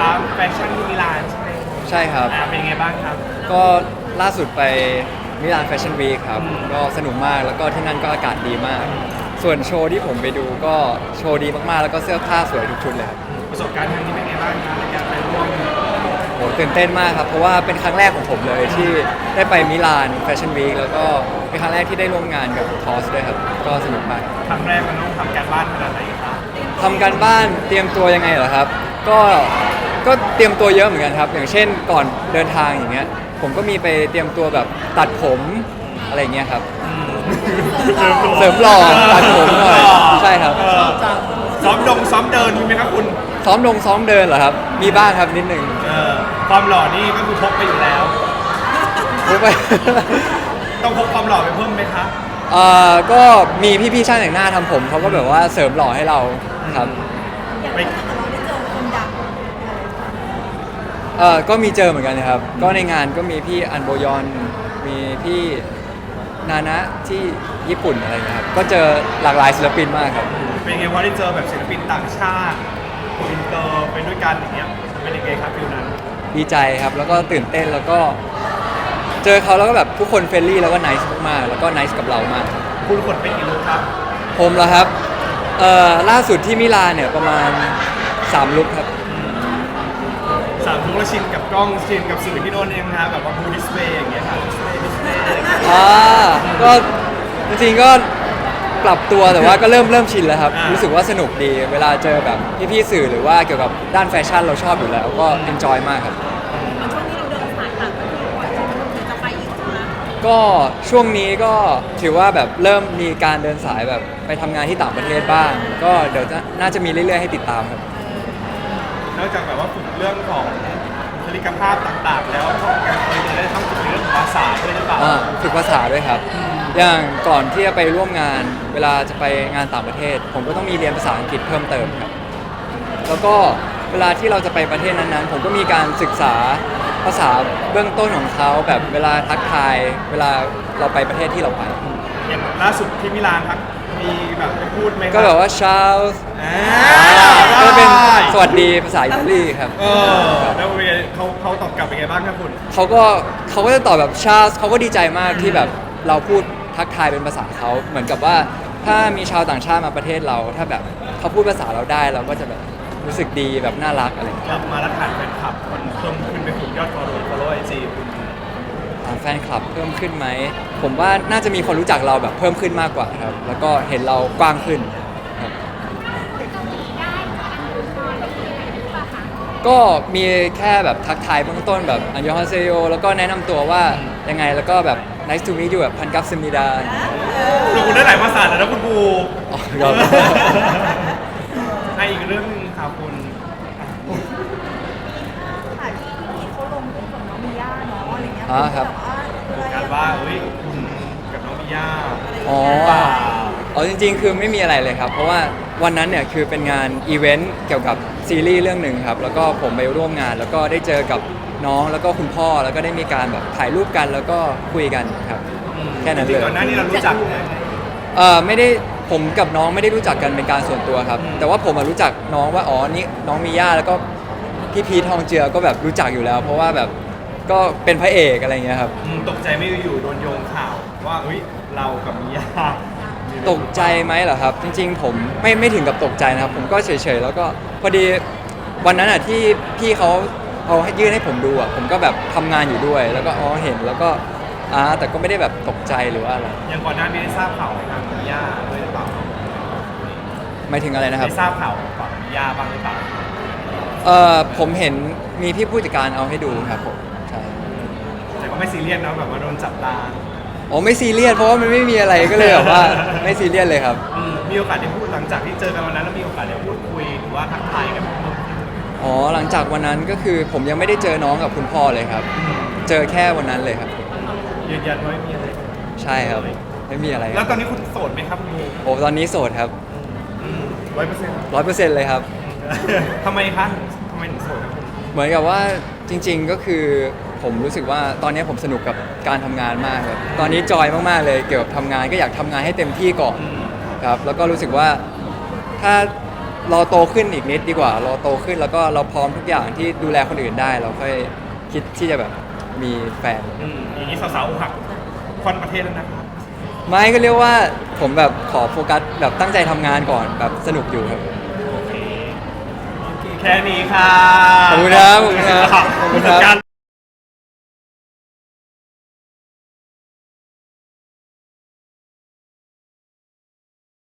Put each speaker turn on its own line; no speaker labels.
แฟชั่นที่มิลานใช่ไหม
ใช่ครับ
เป็นยังไงบ้างครับ
ก็ล่าสุดไปมิลานแฟชั่นวีคครับก็สนุกมากแล้วก็ที่นั่นก็อากาศดีมาก ส่วนโชว์ที่ผมไปดูก็โชว์ดีมากๆแล้วก็เสื้อผ้าสวยทุกชุดเลยครับ
ประสบการณ์ครั้งนี้เป็นไงบ้างครับในการไปร่วม
โหตื่นเต้นมากครับเพราะว่าเป็นครั้งแรกของผมเลยที่ได้ไปมิลานแฟชั่นวีคแล้วก็เป็นครั้งแรกที่ได้ร่วมงานกับทอสด้วยครับก็สนุกมาก
ครั้งแรกมันต้องทำการบ้านขนาดไหนครับ
ทำการบ้านเตรียมตัวยังไงเหรอครับก็เตรียมตัวเยอะเหมือนกันครับอย่างเช่นก่อนเดินทางอย่างเงี้ยผมก็มีไปเตรียมตัวแบบตัดผมอะไรเงี้ยครับเสริมหล่อตัดผมหน่อยใช่ครับ
ซ้อมเดินมีไหมครับคุณ
ซ้อมเดินเหรอครับมีบ้างครับนิดนึง
ความหล่อนี่ก็คือพกไปอยู่แล้ว
รู้ไป
ต้องพกความหล่อไปเพิ่มไหมครับ
ก็มีพี่ๆช่างแต่งหน้าทำผมเขาก็แบบว่าเสริมหล่อให้เราครับ
ไป
ก็มีเจอเหมือนกันนะครับ ก็ในงานก็มีพี่อันโบยอนมีพี่นานะที่ญี่ปุ่นอะไรอย่างเงี้ยครับก็เจอหลากหลายศิลปินมากครับ
เป็นไงว่าได้เจอแบบศิลปินต่างชาติอินเตอร์ไปด้วยกันอย่างเงี้ยเป็นยังไงครับฟิลนั้น
ดีใจครับแล้วก็ตื่นเต้นแล้วก็เจอเขาแล้วก็แบบทุกคนเฟรนลี่แล้วก็ไนซ์มากๆแล้วก็ไนซ์กับเรามาก
คุณขนไปกี่ลูกครับ
ผมเหรอครับล่าสุดที่มิลานเนี่ยประมาณ3ลุคครับ
3ลูกแล้วชินกับกล้องชินกับสื่อที่โน่นเองนะแบบว่าบูดิสเพย์อย่างเงี้ยค่ะดิสเพย์
ก็จริงๆก็ปรับตัวแต่ว่าก็เริ่มชินแล้วครับรู้สึกว่าสนุกดีเวลาเจอแบบพี่ๆสื่อหรือว่าเกี่ยวกับด้านแฟชั่นเราชอบอยู่แล้วก็เอนจอยมากครับ ก็ช่วงนี้ก็ถือว่าแบบเริ่มมีการเดินสายแบบไปทำงานที่ต่างประเทศบ้าง ก็เดี๋ยวน่าจะมีเรื่อยๆให้ติดตามครับ
นอกจากแบบว่าฝึกเรื่องของบุคลิกภาพต่างๆ แล้วก็การเคยได้ต้องฝึกเรื่องของภาษาด้วยหรือเปล่า
ฝึกภาษาด้วยครับ อย่างก่อนที่จะไปร่วมงานเวลาจะไปงานต่างประเทศ ผมก็ต้องมีเรียนภาษาอังกฤษเพิ่มเติมครับ แล้วก็เวลาที่เราจะไปประเทศนั้นๆ ผมก็มีการศึกษาภาษาเบื้องต้นของเขาแบบเวลาทักทายเวลาเราไปประเทศที่เราไป
อย่างล่าสุดที่มิลานครับมีแบบไปพูดไหมครับ
ก็แบบว่าชาลส์
อ่า
ก็เป็นสวัสดีภาษาอิตาลีครับ
แล้วเป็นไงเขาตอบกลับเป็นไงบ้างครับคุณ
เขาก็จะตอบแบบชาลส์เขาก็ดีใจมากที่แบบเราพูดทักทายเป็นภาษาเขาเหมือนกับว่าถ้ามีชาวต่างชาติมาประเทศเรา ถ้าแบบเขาพูดภาษาเราได้เราก็จะแบบรู้สึกดีแบบน่ารักอะไรอย่างเงี้ย
กลับมาแล้วฐานแฟนคลับมันเพิ่มขึ้นไปถึงยอดfollow IG คุณ
แฟนคลับเพิ่มขึ้นไหมผมว่าน่าจะมีคนรู้จักเราแบบเพิ่มขึ้นมากกว่าครับแล้วก็เห็นเรากว้างขึ้นครับก็มีแค่แบบทักทายเบื้องต้นแบบอันยองฮาเซโยแล้วก็แนะนำตัวว่ายังไงแล้วก็แบบ nice to meet you แบบพันกัปซิมิดา
คุณได้หลายภาษาแล้วนะคุณบู
อ๋อครับ
ให้อีกเรื่องหนึงครับคุณ
ค่ะที่เขาลงรูปกับน้องมิย่าเนาะอะไรเงี้ย
ครับ
การว่าเฮ้ยคุณกับน้องมิย่า
อ๋อ
เปล่า
จริงๆ คือไม่มีอะไรเลยครับ เพราะว่าวันนั้นเนี่ยคือเป็นงานอีเวนต์เกี่ยวกับซีรีส์เรื่องหนึ่งครับ แล้วก็ผมไปร่วมงาน แล้วก็ได้เจอกับน้องแล้วก็คุณพ่อ แล้วก็ได้มีการแบบถ่ายรูปกันแล้วก็คุยกันครับ แค่นั้นเลย
ก่อนหน้านี้เรารู้จักไหม
ไม่ได้ผมกับน้องไม่ได้รู้จักกันเป็นการส่วนตัวครับ แต่ว่าผมรู้จักน้องว่าอ๋อนี่น้องมีย่าแล้วก็พี่พีททองเจือก็แบบรู้จักอยู่แล้ว เพราะว่าแบบก็เป็นพระเอกอะไรเงี้ยครับ
ตกใจไม่อยู่ๆโดนโยงข่าวว่าเฮ้ยเรากับมิย่า
ตกใจไหมเหรอครับ จริงๆ ผมไม่ถึงกับตกใจนะครับ ผมก็เฉยๆแล้วก็พอดีวันนั้นอ่ะที่พี่เขาเอาให้ยื่นให้ผมดูอ่ะผมก็แบบทำงานอยู่ด้วย แล้วก็อ๋อเห็นแล้วก็แต่ก็ไม่ได้แบบตกใจหรือว่าอะไร
อย่างก่อนหน้านี้ได้ทราบข่าวไหมครับมิย่าด้วยหรือเปล่า
หมายถึงอะไรนะครับ
ได้ทราบข่าวฝั่งมิย่าบ้างหรือเปล่า
ผมเห็นมีพี่ผู้จัดการเอาให้ดูครับผมใช่
แต่ก็ไม่ซีเรียสนะแบบว่าโดนจับตา
อ๋อไม่ซีเรียสเพราะว่ามันไม่มีอะไรก็เลยแบบว่าไม่ซีเรียสเลยครับ
มีโอกาสได้พูดหลังจากที่เจอกันวันนั้นแล้วมีโอกาสได้พูดคุยหรือว่าทักทายกันบ้างไหม
อ๋อหลังจากวันนั้นก็คือผมยังไม่ได้เจอน้องกับคุณพ่อเลยครับ เจอแค่วันนั้นเลยครับ
ยืนยันว่าไม่มีอะไร
ใช่ครับไม่มีอะไรค
แล้
รั
ว
บ
ตอนนี้คุณโสดไหมครับคุณบู
โอ้ตอนนี้โสดครับ
100%
100%เลยครับ
ทำไมคะทำไมถึงโสดครับคุณ
เหมือนกับว่าจริงๆก็คือผมรู้สึกว่าตอนนี้ผมสนุกกับการทำงานมากครับตอนนี้จอยมากๆเลยเกี่ยวกับทำงานก็อยากทำงานให้เต็มที่ก่อนครับแล้วก็รู้สึกว่าถ้าเราโตขึ้นอีกนิดดีกว่าเราโตขึ้นแล้วก็เราพร้อมทุกอย่างที่ดูแลคนอื่นได้ เราค่อยคิดที่จะแบบมีแฟน
อย่างนี้สาวๆอกหักควันประเทศแล้วนะครับ
ไม่ก็เรียกว่าผมแบบขอโฟกัสแบบตั้งใจทำงานก่อนแบบสนุกอยู่ครับ
โอเคแค่นี้ค่ะ
ขอบคุณครับขอบคุณครับ
ขอบคุณครับ